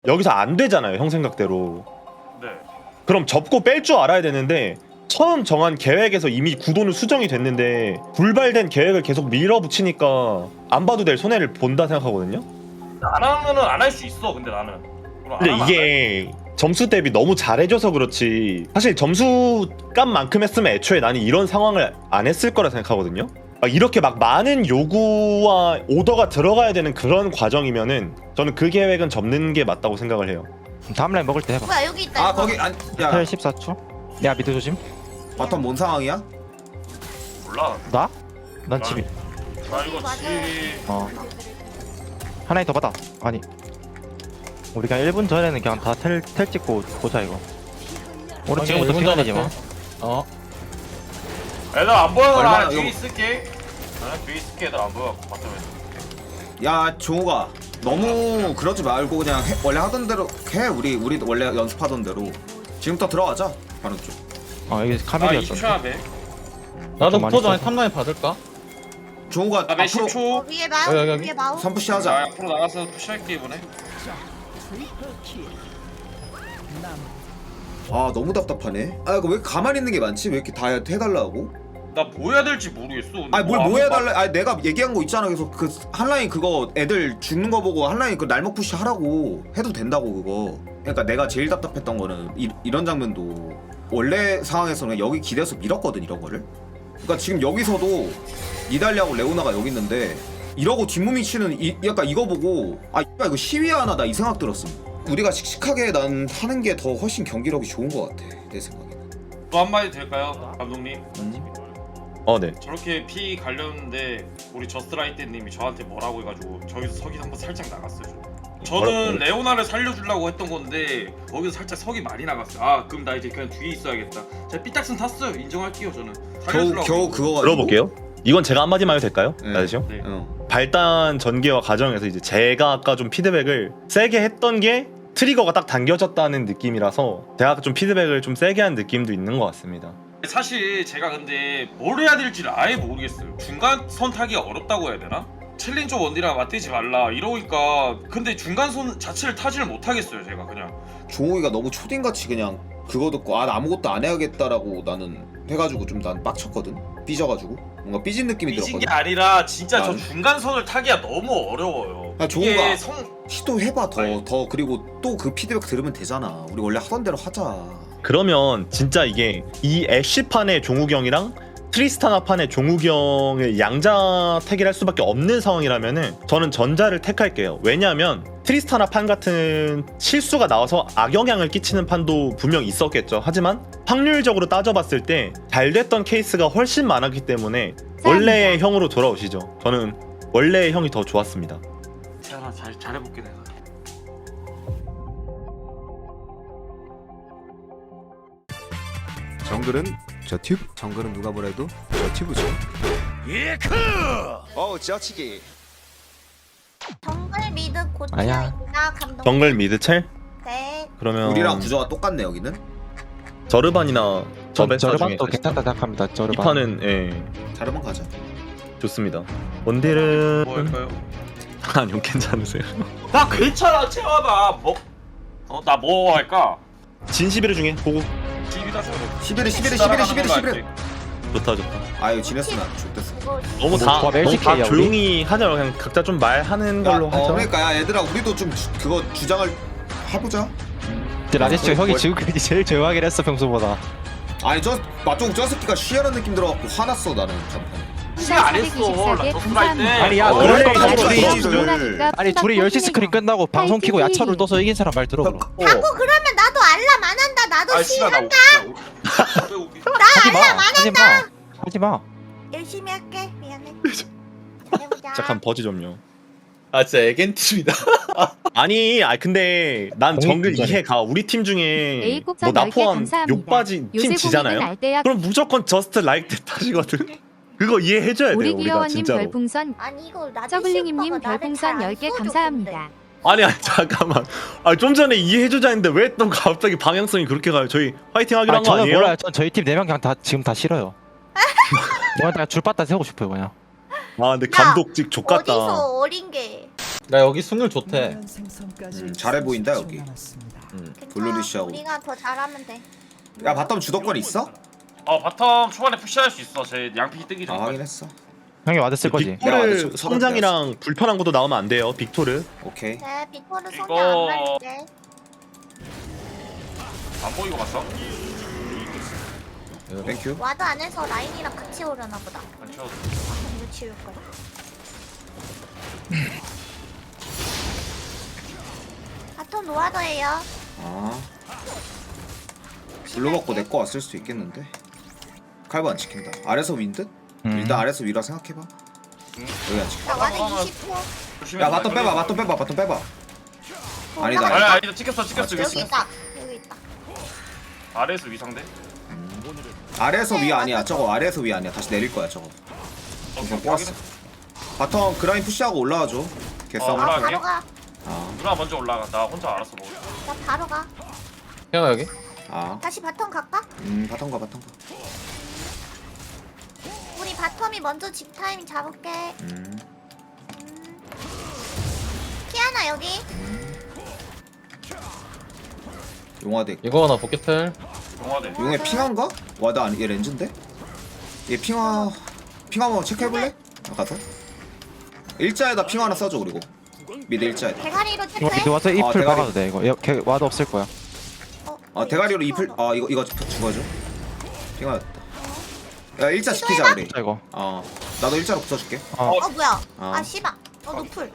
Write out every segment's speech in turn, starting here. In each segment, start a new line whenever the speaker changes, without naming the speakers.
여기서 안 되잖아요, 형 생각대로.
네.
그럼 접고 뺄 줄 알아야 되는데 처음 정한 계획에서 이미 구도는 수정이 됐는데 불발된 계획을 계속 밀어붙이니까 안 봐도 될 손해를 본다 생각하거든요.
안 하면은 안 할 수 있어. 근데 나는. 그럼 안
근데
하면
이게 점수 대비 너무 잘해줘서 그렇지 사실 점수값만큼 했으면 애초에 나는 이런 상황을 안 했을 거라 생각하거든요. 이렇게 막 많은 요구와 오더가 들어가야 되는 그런 과정이면은 저는 그 계획은 접는 게 맞다고 생각을 해요.
다음 라인 먹을 때 해봐.
뭐야 여기 있다.
아
이거.
거기 야
14초. 야 미드 조심.
바텀 뭔 상황이야?
몰라.
나? 난 집이.
나 이거
맞아요.
지.
어. 하나에 더 받아. 아니. 우리 그냥 1분 전에는 그냥 다 텔 찍고 보자 이거. 우리 지금부터 피가 되지 마. 어.
애들 안 보여. 나
얼마나
뒤에
이거-
있을게. 나 뒤에 있을게. 애들 안 보여. 바텀에.
야 종호가 너무 그러지 말고 그냥 원래 하던 대로 해. 우리 원래 연습하던 대로 지금부터 들어가자. 바로 쪽.
여기
나
카멜이었어.
20초야 돼.
나도
좀 많이
붙어줘.
써서.
탑라인 받을까?
종호가
나
앞으로
10초.
어, 위에 마우.
여기.
위에 마우.
선푸시
나
하자.
앞으로 나가서 푸시할게 이번에.
아 너무 답답하네. 아 이거 왜 가만히 있는 게 많지? 왜 이렇게 다 해달라고?
나 뭐 해야 될지 모르겠어. 근데
아니 뭘
뭐
뭐
아무
해달래? 아니 내가 얘기한 거 있잖아. 그래서 그 한라인 그거 애들 죽는 거 보고 한라인 그 날먹 푸시 하라고 해도 된다고 그거. 그러니까 내가 제일 답답했던 거는 이런 장면도 원래 상황에서는 여기 기대서 밀었거든 이런 거를. 그러니까 지금 여기서도 니달리하고 레오나가 여기 있는데 이러고 뒷몸이 치는 약간 이거 보고 아 이거 시위하나 나 이 생각 들었음. 우리가 씩씩하게 난 하는 게 더 훨씬 경기력이 좋은 것 같아 내 생각에는.
또 한마디 될까요, 감독님?
네.
저렇게 피 갈렸는데 우리 저스트라이트님이 저한테 뭐라고 해가지고 저기서 석이 한번 살짝 나갔어요. 저는
뭐라고?
레오나를 살려주려고 했던 건데 거기서 살짝 석이 많이 나갔어요. 아 그럼 나 이제 그냥 뒤에 있어야겠다. 제가 삐딱선 탔어요. 인정할게요 저는. 살려주려고.
겨우 그거 가지고.
들어볼게요. 이건 제가 한마디만 해도 될까요?
네.
나대시요?
네.
발단 전개와 과정에서 이제 제가 아까 좀 피드백을 세게 했던 게 트리거가 딱 당겨졌다는 느낌이라서 제가 좀 피드백을 좀 세게 한 느낌도 있는 것 같습니다.
사실 제가 근데 뭘 해야 될지를 아예 모르겠어요. 중간선 타기가 어렵다고 해야 되나? 챌린저 원딜이랑 맞대지 말라 이러니까 근데 중간선 자체를 타지를 못하겠어요 제가 그냥.
종호이가 너무 초딩같이 그냥 그거 듣고 아 나 아무것도 안 해야겠다라고 나는 해가지고 좀 난 빡쳤거든. 삐져가지고 뭔가 삐진 느낌이
삐진 게
들었거든.
아니라 진짜 저
난-
중간선을 타기가 너무 어려워요.
야,
이게
종우가.
성...
시도해봐
아니.
더 그리고 또 그 피드백 들으면 되잖아. 우리 원래 하던 대로 하자.
그러면 진짜 이게 이 애쉬판의 종우경이랑 트리스타나판의 종우경을 양자택일 할 수밖에 없는 상황이라면은 저는 전자를 택할게요. 왜냐하면 트리스타나판 같은 실수가 나와서 악영향을 끼치는 판도 분명 있었겠죠. 하지만 확률적으로 따져봤을 때 잘 됐던 케이스가 훨씬 많았기 때문에 원래의 형으로 돌아오시죠. 저는 원래의 형이 더 좋았습니다.
태연아 잘해볼게 내가.
정글은 저 튜브. 정글은 누가 뭐래도 저 튜브죠. 쩌치기.
정글 미드
아니야.
고쳐있다 감독.
정글 미드첼?
네.
그러면
우리랑 구조가 똑같네 여기는.
저르반이나 저베사 중에
저르반도 괜찮다 생각합니다.
이
저르반.
판은 예
자르만 가자.
좋습니다. 원딜은
뭐 할까요?
아니요 괜찮으세요.
나 괜찮아 채원아 뭐? 나 뭐 할까?
진시비르 중에 보고
집이다 저거.
11.
좋다 좋다.
아유 지냈으나 좋댔어.
이거
너무
뭐,
다
조합 LCK 야, 우리?
조용히 하자. 그냥 각자 좀 말하는 걸로 하죠.
그러니까 야 얘들아 우리도 좀 그거 주장을 해보자.
근데 라데스 형이
뭘-
지금까지 제일 조용하긴 했어 평소보다.
아니 저 맞종 저 새끼가 쉬하는 느낌 들어갖고 화났어 나는 잠깐.
시간 안 했어. 나 저스트라이트.
아니, 야,
원래
원래
둘이-
아니 둘이 10시 스크린 끝나고 방송 키고 야차를 떠서 이긴 사람 말 들어 그럼.
자꾸 그러면 나도 알람 안 한다. 나도
아 씨발 나
시한다.
하지마. 하지마.
열심히 할게. 미안해. 잘해보자.
잠깐 버즈 좀요.
아 진짜 애겐팀이다.
아니, 근데 난
공익
정글
분자네.
이해가. 우리 팀 중에
A국산
뭐 나
10개
포함
감사합니다.
욕바지
요새
팀 지잖아요.
고민은 알대야.
그럼 무조건 저스트 라이크 탓이거든. 그거 이해해줘야 돼요
우리
우리가
귀여워님
진짜로.
별풍선,
아니 이거 나
저글링님님 별풍선 10개 감사합니다.
아니 잠깐만. 좀 전에 이해해주자 했는데 왜 또 갑자기 방향성이 그렇게 가요? 저희 화이팅 하기로 한 거
저는
아니에요?
몰라요. 전 저희 팀 4명 그냥 다 지금 다 싫어요. 이건 다 줄바따 세우고 싶어요 그냥.
아 근데 감독직 족같다.
어디서 어린 게.
나 여기 승률 좋대.
잘해 보인다 여기.
음.
괜찮아.
블루리시하고.
우리가 더 잘하면 돼.
야 바텀 주도권 있어?
바텀 초반에 푸시할 수 있어. 제 양피 뜨기
아
전까지.
확인했어.
형이 와드 쓸 거지.
내가
빅토르
와드
성장이랑 불편한 것도 나오면 안 돼요. 빅토르.
오케이.
네, 빅토르 손이
이거-
안 갈릴게.
안 보이고 갔어?
땡큐.
와드 안에서 라인이랑 같이 오려나 보다.
안 채워도.
이거 치울 거야. 바텀 노아더예요.
아. 블루 먹고 내 거 왔을 수도 있겠는데. 칼부 안 지킨다. 아래서 윈드? 일단 아래서 위라 생각해봐. 여기 안 지켜.
나 와드
그러면-
20호.
조심해.
야 바텀 빼봐. 바텀 빼봐. 바텀 빼봐. 아니다,
아니
아니다.
아니다 찍혔어 이거
여기
찍혔어.
있다. 여기 있다.
아래에서 위상대.
아래에서 위 아니야. 저거 아래에서 위 아니야. 다시 내릴 거야 저거.
오케이,
꼬았어. 바텀 그라인 푸시하고 올라와줘. 개싸움.
올라와.
아,
올라갈게.
바로 가.
아.
누나 먼저 올라가. 나 혼자 알아서 먹을.
나 바로 가.
형아 여기?
아.
다시 바텀 갈까?
바텀 가.
우리 바텀이 먼저 집 타이밍 잡을게. 키아나 여기.
용화대.
이거 하나 포켓텔.
동화대.
용의 핑화인가? 와 나 얘 렌즈인데? 얘 핑화 한번 체크해볼래? 가서 일자에다 핑화 하나 써줘. 그리고 미드 일자에다.
대가리로
이거
체크해.
미드 와서 잎을
대가리.
박아도 돼 이거. 걔 와드 없을 거야.
대가리로 잎을 이거 죽어줘. 핑화였다. 야 일자 지키자 우리.
자 이거.
나도 일자로 붙여줄게.
뭐야?
어.
아 씨발. 노플.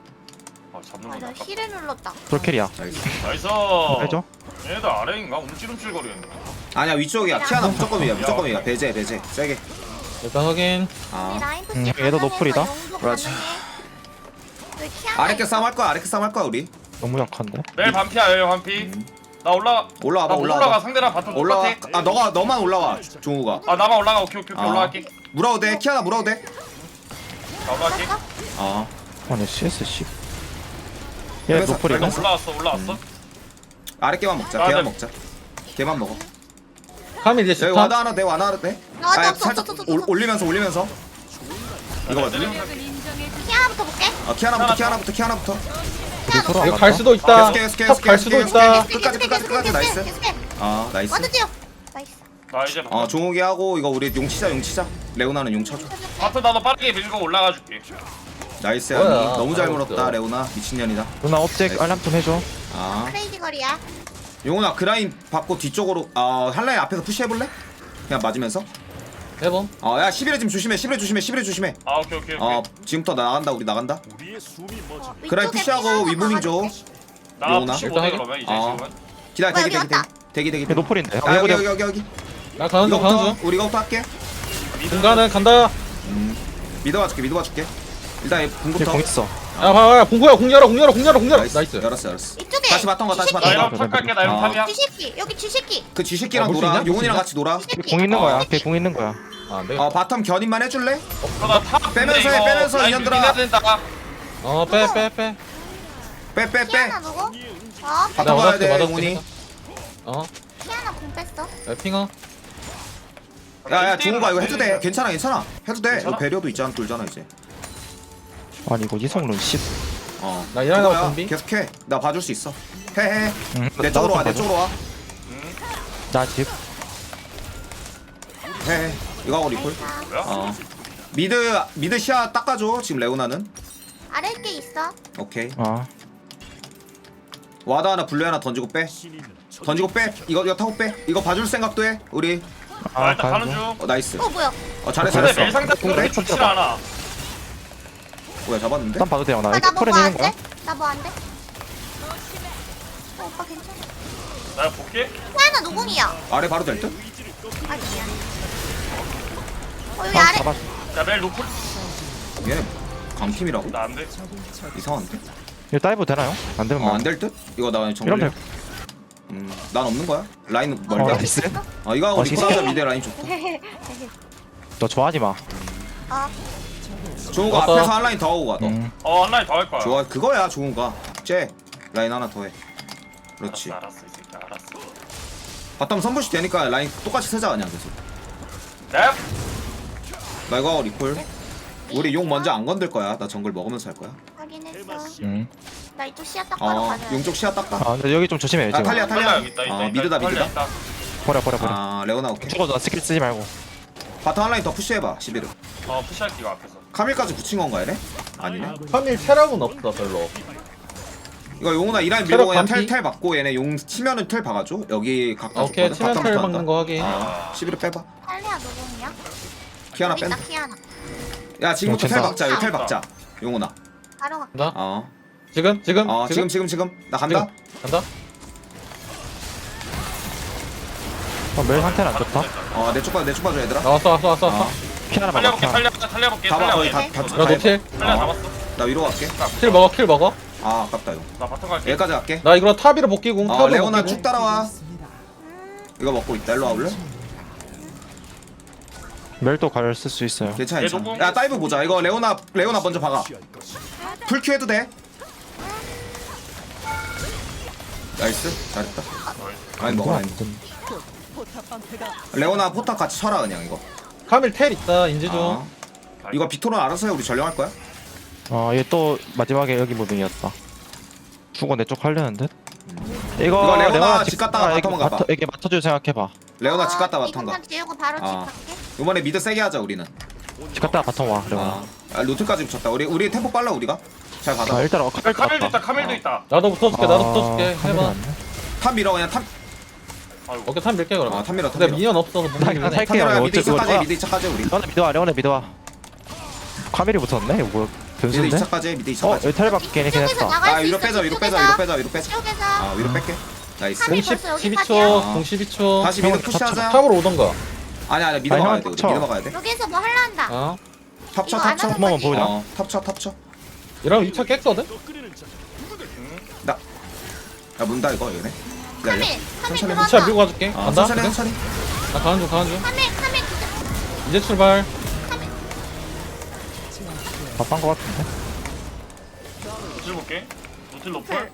잡는
나
거다.
힐을 눌렀다.
돌캐리야.
나이스.
해줘.
얘들 아래인가? 움찔움찔거리는데.
아니야 위쪽이야. 키아나 무조건 위야. 무조건 위야. 배제 세게.
일단 확인.
우리 라인 푸시
얘도
가능해서
노플이다.
용도
그렇지.
가능해. 왜 키아나
아래께 싸움 할 거야. 우리.
너무 약한데.
내일 반피야 내일 반피. 나 올라가.
올라와봐.
나 못 올라가. 상대랑 바텀
올라와.
똑같아.
너만 올라와. 종우가.
나만 올라가. 오케이
아.
올라갈게.
물어도 돼. 키아나 물어도 돼.
나 올라갈게.
아니 CS 씨. 얘
그래서
노플이고.
나 올라왔어.
아래 깨만 먹자.
아,
걔만
네.
먹자. 걔만 먹어.
카밀 이제
여기
스탑.
와드 하나 돼. 와드 하나 돼.
나 없어,
살짝
없어.
올리면서. 이거 맞지?
키아나부터 볼게.
키아나부터.
키아나.
안
이거 갈
갔다?
수도 있다.
계속,
탑 갈 수도 있다.
끝까지 나이스. 나이스.
와드 뛰어. 나이스.
나 이제
종욱이 하고 이거 우리 용 치자. 레오나는 용 쳐줘.
바텀 나도 빠르게 밀고 올라가 줄게.
나이스.
뭐야,
야니 너무 잘
알았어.
물었다. 레오나 미친년이다.
누나 업젝 알람 좀 해줘.
크레이지 거리야.
용훈아 그라인 받고 뒤쪽으로 한라인 앞에서 푸시해볼래? 그냥 맞으면서.
해봄.
야 11회 좀 조심해. 11회 조심해.
아 오케이.
지금부터 나간다. 우리 나간다.
위쪽에
그라인 푸시하고
피아노
위무빙 줘.
박아줄게.
나
레오나?
푸시 못해 그러면 이제
어.
지금은.
기다려.
뭐야, 여기 왔다.
대기.
얘 노플인데.
아 여기.
나 가는 중 가는
이거부터
중.
우리가부터 할게.
중간은 간다.
믿어봐줄게. 일단
얘
궁부터.
공 있어.
야 봐봐 공구야 공 열어. 나이스.
열었어.
이쪽에.
다시 바텀 가.
나 이런 탑 갈게. 나 이런 탑이야.
쥐새끼. 여기 쥐새끼.
그 쥐새끼랑
볼수
놀아.
있냐? 볼수
용훈이랑
있냐?
같이 놀아.
쥐새끼.
걔 공 있는 거야. 걔 공 있는 거야.
안 되겠다.
바텀 견인만 해줄래?
나탑
빼면서 해, 이년들아.
된다.
빼.
빼.
키아나 누구?
바텀
나
가야 돼
맞았어.
용훈이.
키아나 공 뺐어.
야 핑아.
야 종우가 이거 해도 돼. 괜찮아. 해도 돼.
괜찮아?
이거 배려도 있잖아. 돌잖아 이제.
아니 이거 이성룬 씨.
나 일하다가
그거야.
준비.
계속해. 나 봐줄 수 있어. 해. 내
나도
쪽으로 와.
좀 나 집.
해. 이거 하고 리콜.
뭐야?
미드 시야 닦아줘. 지금 레오나는.
아래 게 있어.
오케이. 와드 하나 블루 하나 던지고 빼. 이거 타고 빼. 이거 봐줄 생각도 해. 우리.
나 일단 가는 중.
나이스.
뭐야?
잘했어.
근데 매일 상대
공대?
그렇게 좋지 않아.
뭐야 잡았는데?
일단 봐도 돼요. 나
나
이거
뭐
털에
안
내는 거야.
돼? 나 뭐 안 돼? 오빠 괜찮아.
나 볼게.
키아나 누궁이야?
아래 바로 될 듯?
아 미안해. 여기
아,
아래.
잡았어.
나 매일 노플.
얘네 강팀이라고?
나 안 돼.
이상한데?
이거 다이브 되나요? 안 되면 뭐.
안 될 듯? 이거 나
이러면
정글.
될.
난 없는 거야. 라인 멀다.
나이스.
이거 하고
진짜?
리콜하자. 미드 라인 좋다.
너 좋아하지 마.
종우가
왔다.
앞에서 한 라인 더 하고 가. 너.
온라인 더 할 거야.
좋아. 그거야 종우가. 쟤 라인 하나 더 해. 그렇지.
알았어 이 새끼 알았어.
바텀 선부시 되니까 라인 똑같이 세자 그냥 계속.
넵.
나 이거 하고 리콜. 우리 용 먼저 안 건들 거야. 나 정글 먹으면서 할 거야.
확인했어.
응.
나 이쪽 시야 딱 바로 가자.
용 쪽 시야 닦아.
아 근데 여기 좀 조심해
아
지금.
탈리아.
여기 있다,
미드다.
버려.
아 레오나 오케이.
죽어도 스킬 쓰지 말고.
바텀 한라인 더 푸시해봐. 11을.
푸시할게 이거 앞에서.
카밀까지 붙인 건가 얘네? 아니네.
카밀 체력은 없어 별로.
이거 용훈아 이 라인
체력
밀고 그냥
반피?
텔 받고 얘네 용 치면은 텔 박아줘. 여기 가까워.
오케이 치면 텔 박는 거 확인.
11을 빼봐.
탈리아 누구냐?
키아나
여기 있다,
뺀다.
키아나.
야 지금부터 텔
괜찮다.
박자. 여기 텔 박자. 용훈아.
바로 가.
간다.
어.
지금.
지금. 나 간다.
간다.
멜 상태는 안 좋다.
내 쪽 봐줘 얘들아.
왔어.
피 하나 막아.
탈리아 볼게.
다 봐. 거의
탈리아
다.
나 노틸.
탈리아 잡았어.
나 위로 갈게.
킬 먹어.
아 아깝다 용.
나 바텀 갈게.
여기까지 갈게.
나 이거 탑 위로 복귀공. 탑으로
레오나
복귀공.
쭉 따라와. 이거 먹고 있다. 일로 와볼래?
멜도 가를 쓸 수 있어요.
괜찮아.
얘
괜찮아.
너무-
야 다이브 보자. 이거 레오나 먼저 박아. 풀큐 해도 돼. 나이스. 잘했다. 아니 먹어. 아니. 레오나 포탑 같이 쳐라 그냥 이거.
카밀 텔 있다 인지 좀.
아. 이거 빅토르 알아서 해. 우리 전령할 거야?
얘 또 마지막에 여기 무빙이었다. 죽어 내 쪽 하려는데.
이거 레오나 집 갔다가 바텀 가봐.
이게 맞춰줄 생각해봐.
레오나 집 갔다 바텀 가.
이것만 지우고 바로 집
아.
갈게.
이번에 미드 세게 하자 우리는.
집 갔다가 바텀 와. 레오나.
루트까지 붙였다. 우리 템포 빨라 우리가. 잘 받아.
일단
카멜도 있다. 카멜도 있다.
나도 붙어줄게. 해봐.
탑 밀어 그냥 탑.
오케이 탑 밀게 그러면.
탑 밀어.
근데 미니언 없어서 못
나
밀네.
이거
탑
살게요.
밀어.
이거
미드
어째-
2차까지
이거
미드 2차까지 우리.
레오나 미드 와. 카밀이 붙었네. 이거 뭐
미드
변수인데?
2차까지 미드 2차까지.
여기 텔 받긴 했긴
이쪽에서
했다.
나갈 수
위로
있어.
빼자. 위로 빼자. 위로 빼자.
이쪽에서.
위로 뺄게. 나이스.
카밀
10,
벌써
12초. 공 12초.
다시 미드
형,
푸시하자.
탑으로 오던가.
아니 미드
아니,
막아야
형,
돼. 우리
쳐.
미드 막아야 돼.
여기서 뭐 할라 한다.
어.
탑쳐
이거 안
탑쳐.
하는
한번만
거지?
보자.
탑쳐.
이러면 2차 깼거든?
야 문다 이거 얘네. 기다려.
카밀
천천히
2차
들어왔다.
밀고 가줄게. 간다.
천천히.
나 가는 중.
카밀
이제 출발.
바쁜 거 같은데?
노틸 볼게. 노틸 노플.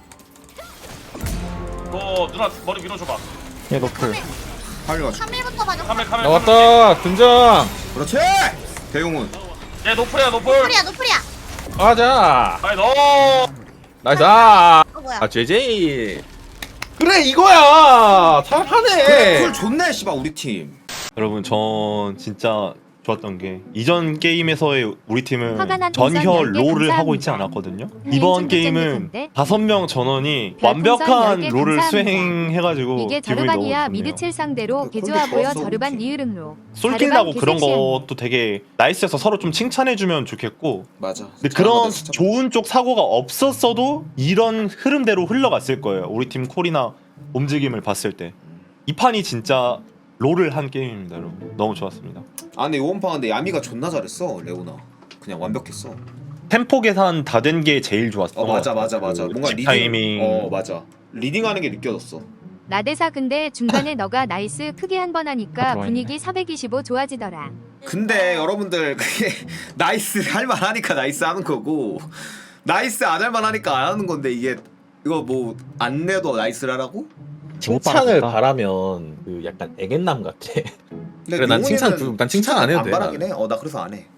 너 누나 머리 밀어줘봐.
얘 노플.
빨리 가자.
카밀부터 봐줘.
카멜.
나왔다. 등장.
그렇지. 대용훈.
얘 노플이야 노플.
노플이야.
가자.
아니 너.
나이스.
뭐야?
JJ. 그래 이거야. 잘하네.
그래 쿨 좋네 씨발 우리 팀.
여러분 전 진짜 좋았던 게 이전 게임에서의 우리 팀은
화가 난
전혀
동선 10개
롤을 하고 있지
감사합니다.
않았거든요.
네,
이번
좀
게임은
괜찮은데?
5명 전원이
별풍선
완벽한
10개
롤을
감사합니다.
수행해가지고
이게
기분이
저르반이야
너무 좋네요.
미드칠 상대로
근데
개조하 보여
좋았어,
저르반
우리 팀.
니으릉로.
솔킬나고
자르반
그런
개섹시한
것도 되게 나이스해서 서로 좀 칭찬해주면 좋겠고
맞아.
근데 그런 좋은 쪽 사고가 없었어도 이런 흐름대로 흘러갔을 거예요. 우리 팀 콜이나 움직임을 봤을 때 이 판이 진짜 롤을 한 게임입니다. 여러분 너무 좋았습니다.
아 근데 요번 판 근데 야미가 존나 잘했어 레오나. 그냥 완벽했어.
템포 계산 다 된 게 제일 좋았어.
맞아. 뭔가 리딩.
타이밍.
맞아. 리딩하는 게 느껴졌어.
나대사 근데 중간에 너가 나이스 크게 한 번 하니까
들어와
분위기 425 좋아지더라.
근데 여러분들 그게 나이스 할만 하니까 나이스 하는 거고 나이스 안 할만 하니까 안 하는 건데 이게 이거 뭐 안 내도 나이스를 하라고?
칭찬을
바라겠다.
바라면 그 약간 애견남 같아.
근데
그래, 난 칭찬
용훈이는
난 칭찬 안 해도 돼,
안 바라긴 해. 나 그래서 안 해.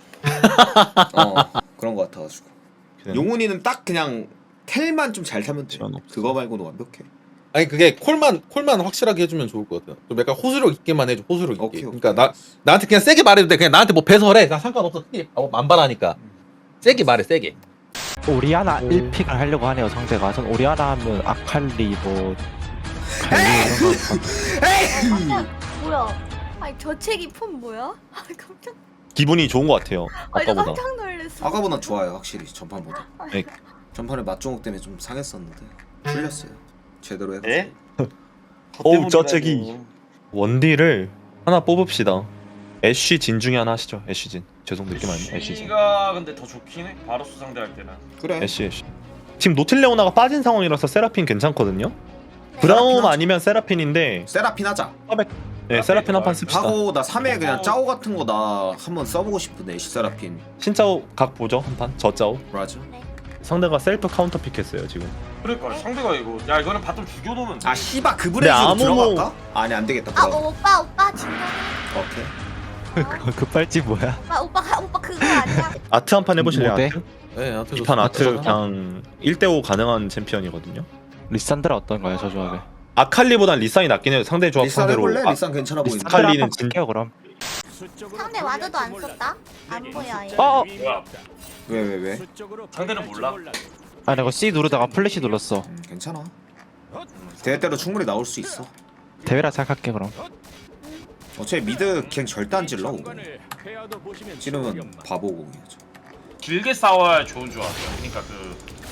그런 거 같아가지고. 용훈이는 딱 그냥 텔만 좀 잘 타면 돼.
지원 없어.
그거 말고는 완벽해.
아니 그게 콜만 확실하게 해주면 좋을 것 같아. 좀 약간 호소력 있게만 해줘. 호소력 있게.
오케이.
그러니까 나한테 그냥 세게 말해도 돼. 그냥 나한테 뭐 배설해. 나 상관없어. 안 바라니까. 세게 말해. 세게.
오리아나 1픽을 하려고 하네요 상대가. 전 오리아나 하면 아칼리 뭐 갈리 이런 거.
뭐야? 아니 저책이 폰 뭐야? 깜짝.
기분이 좋은 것 같아요.
아니
아까보다.
깜짝 놀랐어.
아까보다 좋아요 확실히 전판보다.
네.
전판에 맛종욱 때문에 좀 상했었는데 풀렸어요. 제대로 해서.
예?
어우 저책이 원딜을 하나 뽑읍시다. 애쉬 진 중에 하나 하시죠. 애쉬 진. 죄송 늦게 말했네. 애쉬 진.
애쉬가 근데 더 좋긴 해. 바로스 상대할 때는.
그래.
애쉬. 지금 노틸레오나가 빠진 상황이라서 세라핀 괜찮거든요. 브라움 아니면 세라핀인데
세라핀 하자.
네 세라핀 한 판 씁시다.
하고 나 3회 그냥 짜오 같은 거 나 한번 써보고 싶은데 애쉬 세라핀.
신짜오 각 보죠 한 판. 저짜오.
맞아.
상대가 셀프 카운터 픽했어요 지금.
그러니까 상대가 이거 야 이거는 바텀 죽여놓으면 돼.
아 씨바 그 브레이즈로
아무
들어갈까? 아니 안 되겠다.
아
브라운.
오빠 진짜.
오케이.
급발진 뭐야?
오빠 그거 아니야?
아트 한 판 해보실래요?
뭐 돼?
아트?
네, 아트
이 판 아트
좋습니다.
그냥 1대5 가능한 챔피언이거든요.
리산드라 어떤가요 저 조합에?
아칼리보단 리산이 낫긴 해요. 상대 조합
리산
상대로.
해볼래?
아,
리산 괜찮아 보이는데.
리산- 칼리는
한번
진-
갈게요 그럼.
상대 와드도 안 썼다? 안 보여 얘.
어!
뭐야?
왜?
상대는 몰라.
아 내가 C 누르다가 플래시 눌렀어.
괜찮아. 대회 때로 충분히 나올 수 있어.
대회라 생각할게 그럼.
어차피 미드 갱 절대 안 찔러. 오고. 찌르면 바보고 그냥.
길게 싸워야 좋은 조합이야. 그러니까 그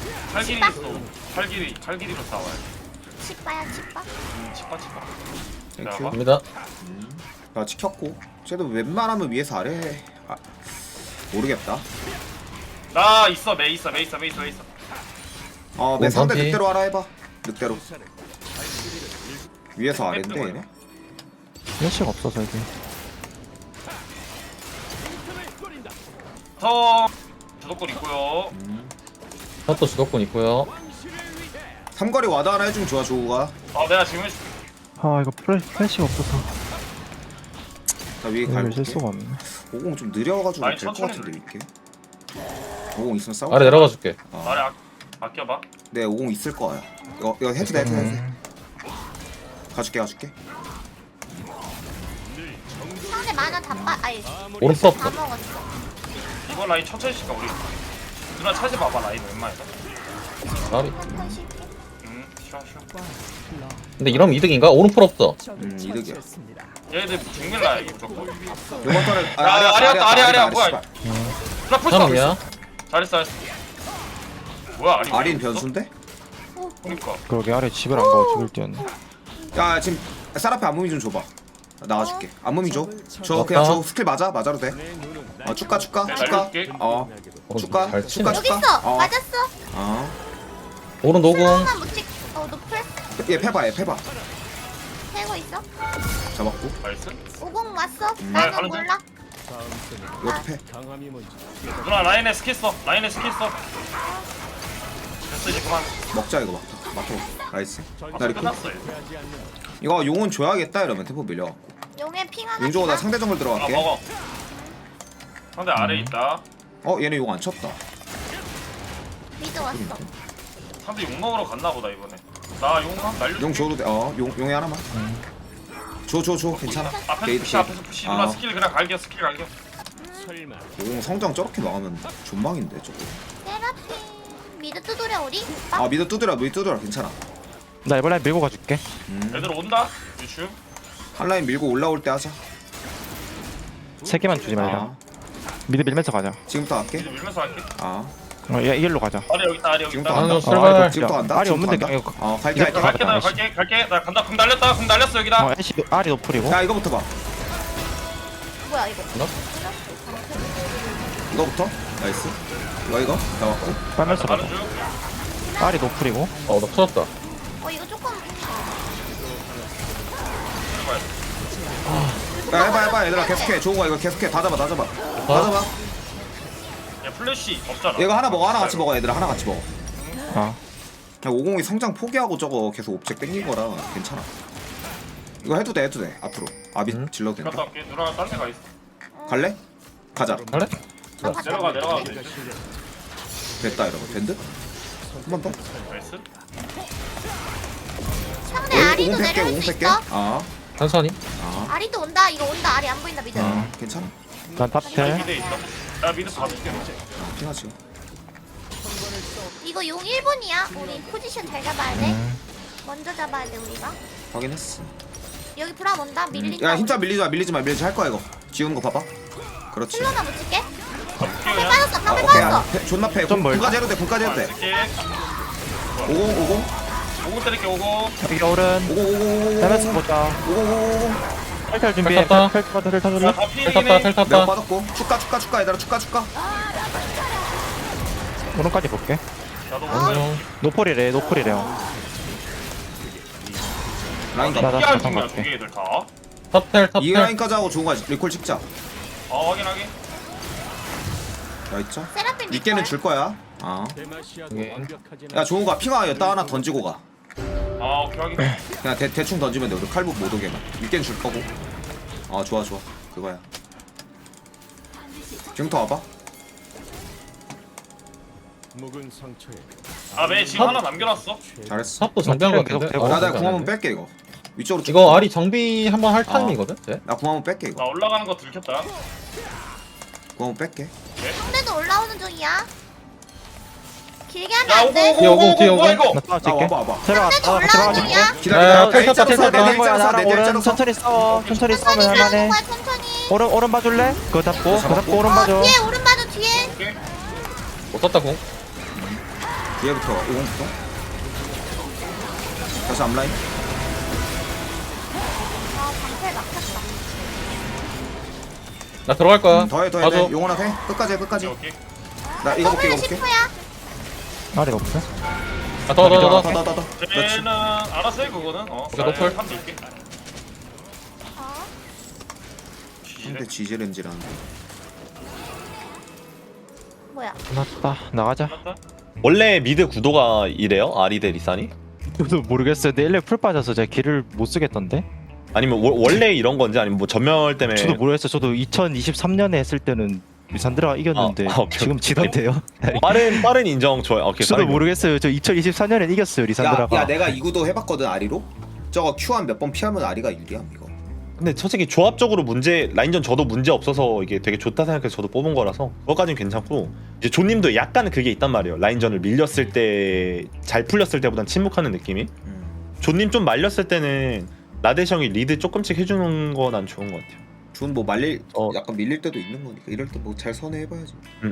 칼길이로 싸워야 돼.
치빠야 치빠.
치빠.
땡큐.
갑니다.
나 지켰고. 쟤도 웬만하면 위에서 아래 해. 아, 모르겠다.
나 있어, 메 있어.
내 상대
반피.
늑대로 하라 해봐. 늑대로. 위에서 아래인데 얘네.
플래시가 없어서 이게.
더 주도권 있고요.
샷도 주도권 있고요.
삼거리 와드 하나 해주면 좋아 조우가.
내가 지금 해줄게.
아 이거 플래시가 없어서
나 위에
이걸
갈게.
쓸 수가 없네.
50 좀 느려가지고
아니,
될 것
천천히
같은데 이렇게. 50 있으면 싸워.
아래 내려가 줄게.
나를 아껴봐.
네, 50 있을 거야. 이거 해도 돼. 가줄게.
상대 만화 다 빠. 아니
오른쪽
다
없어.
먹었어.
이번 라인 천천히 칠까 우리. 누나 차지 마봐 라인 웬만해서.
나비.
한판 쉴게.
쉬어.
근데 이러면 이득인가? 오른풀 없어.
이득이야.
얘들 중밀 라인 무조건.
이번 턴에
아리야, 뭐야.
씨발.
나 풀스
사람이야.
잘했어. 뭐야 아리.
아린 변수인데?
그러니까.
그러게 아래 집을 안 가고 죽을 뛰었네.
야 지금 쌀 앞에 안무미 좀 줘봐. 나가줄게. 안무미 줘. 줘
맞다.
그냥 줘. 스킬 맞아도 돼. 축가.
내가 날려줄게.
축가.
잘 치네.
여기 있어. 맞았어.
오른 노공.
하나만 못 찍. 노플.
얘 패봐.
세고 있어.
잡았고.
나이스.
50 왔어.
가는
나는
중.
몰라.
이것도 패.
누나 라인에 스킬 써. 됐어 이제 그만.
먹자 이거 막혀. 나이스. 나 리콜.
끝났어. 얘.
이거 용은 줘야겠다 이러면 템포 밀려갖고.
용의 핑 하나.
용조가 나
주나?
상대 정글 들어갈게.
먹어. 상대 아래 있다.
얘네 용 안 쳤다.
미드 왔어.
상대 욕 먹으러 갔나 보다 이번에. 나 용감 날려.
용 줘도 돼. 용에 하나만. 줘. 괜찮아.
앞에서
게이트
푸시 앞에서 푸시. 누나 스킬 그냥 갈겨.
용 성장 저렇게 망하면 존망인데 저거.
세라핀. 미드 두드려 우리.
미드 두드려 괜찮아.
나 이번에 밀고 가줄게.
애들 온다. 유추.
한 라인 밀고 올라올 때 하자.
3개만 주지 말자. 미드 밀면서 가자.
지금부터 갈게.
이제 밀면서 할게.
얘 이길로 가자.
아래 여기 있다. 아래 여기
지금부터
있다.
간다.
아유, 출발.
지금부터 간다.
알이 없는데
지금부터
그냥
간다. 갈게.
이제
갈게 나
나이스.
갈게. 나 간다. 금 날렸다. 금 날렸어 여기다.
애쉬 알이 노플이고.
야 이거부터 봐.
뭐야 이거?
이거부터. 나이스. 이거 나왔고.
빨면서
가는
가자.
중.
알이 노플이고.
나 터졌다.
이거 조금.
야 해봐 얘들아 계속해. 좋은 거 이거 계속해. 다 잡아.
야 플래시 없잖아.
얘가 하나 먹어. 하나 같이 먹어 얘들아. 하나 같이 먹어.
아.
그냥 50이 성장 포기하고 저거 계속 옵젝 땡긴 거라 괜찮아. 이거 해도 돼. 앞으로. 아비 질러도
갔다
된다.
올게. 누나 딴 데 가 있어.
갈래? 가자.
갈래?
내려가.
됐다 이러면 된 듯? 한 번 더?
나이스.
상대 아리도
50 뺄게.
내려올 수
50 뺄게.
있어.
천천히.
아리도 온다. 이거 온다. 아리 안 보인다 미드.
괜찮아.
난 탑텔.
미드에 있어. 야 미드 봐줄게.
핑하지.
이거 용 1분이야. 우리 포지션 잘 잡아야 돼. 먼저 잡아야 돼 우리가.
확인했어.
여기 브라 온다. 밀린다.
야 힘짜 밀리지 마 할 거야 이거. 지우는 거 봐봐. 그렇지.
슬로나 붙일게. 방패
그냥
빠졌어. 방패
오케이.
빠졌어.
존나 패.
좀 멀다.
군까지 해도 돼.
이렇게
50
오고 때릴게 오고.
여기 오른. 빼면서 보자.
50
탈탈 준비해.
탔다.
탈탈
다
텔 탔다.
필이네.
텔
내가
탔다.
빠졌고. 축가 얘들아. 축가.
오른까지 볼게.
나도
안녕.
노플이래요.
라인
나
가.
나
피할
잠깐
중이야 두
갈게.
개들 다.
탑텔
이
탑텔.
라인까지 하고 좋은 거야. 리콜 찍자.
확인하게.
나 있죠?
세라핀
니께는 줄 거야. 야 좋은 핑하 여따 하나 던지고 가.
오케이 확인.
그냥 대충 던지면 돼. 우리 칼부 못 오게만. 니께는 줄 거고. 좋아. 그거야. 지금부터 와봐.
묵은 상처에
아매 지금 하나 남겨놨어.
잘했어.
탑도 정비한 거
계속
같은데?
되고.
나 궁 한번 뺄게 이거. 위쪽으로 쭉.
이거 아리 정비 한번 할 타임이거든? 쟤?
나궁 한번 뺄게 이거.
나 올라가는 거 들켰다.
궁 한번 뺄게.
상대도 올라오는 중이야. 길게 하면
야
안 돼.
뒤에 오고, 뒤에 오고.
뭐야 이거?
나 따라
나
찍게.
와봐.
들어가.
상대도
아,
올라오는
들어가.
중이야.
기다려.
텔 쳤다, 텔 쳤다.
나는 거야, 나랑
내
오른
텔
천천히 싸워. 천천히 싸우면
천천히
할만해.
가는 거야 천천히.
오른 봐줄래? 그거 잡고 오른 봐줘.
뒤에 오른 봐줘 뒤에.
못 썼다 공.
뒤에부터 이공부터. 다시 앞라인.
아 방패 막혔다.
나 들어갈 거야.
더해
봐줘.
용원아 해. 끝까지 해 끝까지.
오케이.
나 이거 볼게 이거
더블
볼게.
10%야.
아리가 없어?
아, 더.
더. 그렇지.
쟤는 알아서 해 그거는.
오케이, 노플.
한 줄게.
어?
근데 지지렌지라는데.
뭐야?
끝났다. 나가자.
원래 미드 구도가 이래요? 아리 대 리산이?
저도 모르겠어요. 근데 1레 풀 빠져서 제가 길을 못 쓰겠던데.
아니면 원래 이런 건지 아니면 뭐 전멸 때문에
저도 모르겠어요. 저도 2023년에 했을 때는 리산드라가 이겼는데
아, 오케이,
지금
오케이.
지던데요.
빠른 인정 좋아요. 오케이.
저도
빠른
모르겠어요. 저 2024년에 이겼어요. 리산드라가.
야 내가 이 구도 해봤거든 아리로. 저거 Q 한 몇 번 피하면 아리가 유리함 이거.
근데 솔직히 조합적으로 라인전 저도 문제 없어서 이게 되게 좋다 생각해서 저도 뽑은 거라서 그것까지는 괜찮고 이제 조님도 약간 그게 있단 말이에요. 라인전을 밀렸을 때 잘 풀렸을 때보단 침묵하는 느낌이. 조님 좀 말렸을 때는 라데형이 리드 조금씩 해주는 거 난 좋은 것 같아요.
준뭐 말릴 약간 밀릴 때도 있는 거니까 이럴 때 뭐 잘 선회해봐야지.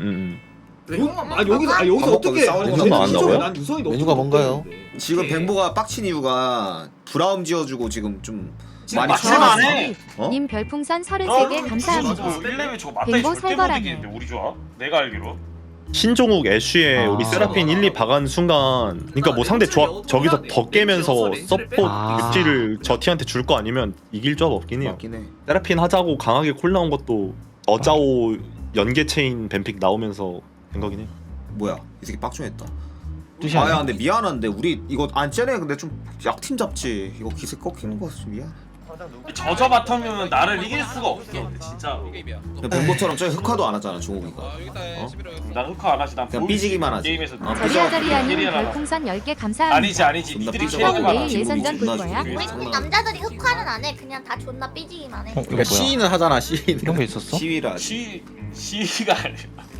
여기서
어떻게
메뉴가 나왔나고요?
난 유성이 너무
메뉴가 뭔가요?
지금 뱅보가 빡친 이유가 브라움 지어주고 지금 좀 많이
맞을만해.
어?
님 별풍선 33개 감사합니다.
1레벨 저거 맞다이
뱅보
절대 못
살벌하네.
이기는데 우리 조합? 내가 알기로.
신종욱 애쉬에
아.
우리 세라핀 1, 2 박은 순간 그러니까 뭐 상대 조합 저기서 더 깨면서 서포트
아.
육지를 저 티한테 줄 거 아니면 이길 조합 없긴 해요.
맞긴 해.
세라핀 하자고 강하게 콜 나온 것도 어짜오 연계 체인 뱀픽 나오면서 된 거긴 해.
뭐야 이 새끼 빡종했다.
뜻이
아야
아니야.
근데 미안한데 우리 이거 안 쟤네 근데 좀 약팀 잡지. 이거 기세 꺾이는 거 같아 미안.
저저 바텀이면 나를 이길 수가 없어. 근데 진짜.
그냥 뱅보처럼 저기 흑화도 안 하잖아 종욱이가.
난 흑화 안 하지. 난
그냥
보여주지.
아,
삐지기만 하지.
게임에서.
어,
저리아저리아님
삐져가.
별풍선 10개 감사합니다.
아니지.
존나
니들이
삐져가지고
최악의
내일
바람.
예선전 볼
존나
거야?
죽이고
우리
장난.
남자들이 흑화는 안 해. 그냥 다 존나 삐지기만 해.
이거
그러니까
뭐야?
시인을 하잖아, 시인.
이런 게 있었어?
시위를 하지.
시가 아니야.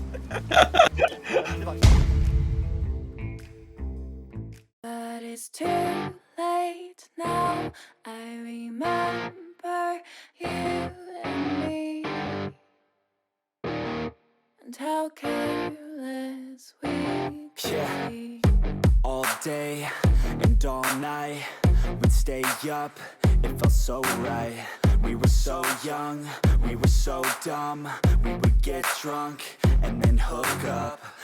But it's too late now. I remember you and me, and how careless we could be.
All day and all night, we'd stay up, it felt so right. We were so young, we were so dumb. We would get drunk and then hook up.